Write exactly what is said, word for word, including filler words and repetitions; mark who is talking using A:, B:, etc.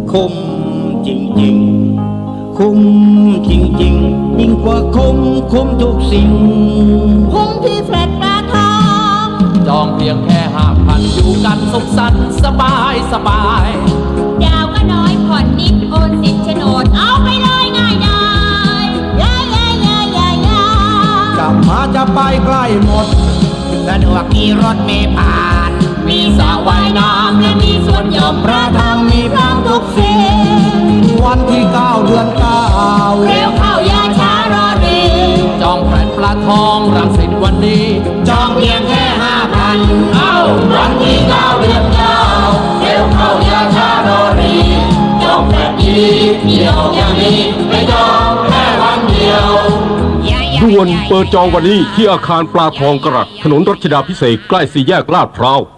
A: คุ้มจริงๆคุ้มจริงๆยิ่งกว่าคุ้มคุ้มทุกสิ่ง
B: คุ้มที่แฟลตปลาทอง
C: จองเพียงแค่ห้าพันอยู่กันสุขสันต์สบายสบาย
B: ดาวก็น้อยผ่อนนิดโอนสิทธิ์โฉนดเอาไปเลยง่ายดายยายายายายาก
A: ลับมาจะไปใกล้หมดสะดวกมีรถเมล์ผ่าน
B: มีสระว่ายน้ำและมีสวนหย่อมพระธรรมมีพร้อมทุกสิ่ง
A: วันที่เก้าเดือนเก้า
B: เร็วเข้าอย่าช้ารอรี
C: จองแฟลตปลาทองรังสิตวันนี้
B: จองเพียงแค่ห้าพัน
C: เอ้า
B: วันที่เก้าเดือนเก้าเร็วเข้าอย่าช้ารอรีจองแฟลตดีเดียวอย่างนี้ไม่จองแค่วันเดียว
D: ด่วนเปิดจองวันนี้ที่อาคารปลาทองกระถนนรัชดาภิเษกใกล้สี่แยกลาดพร้าว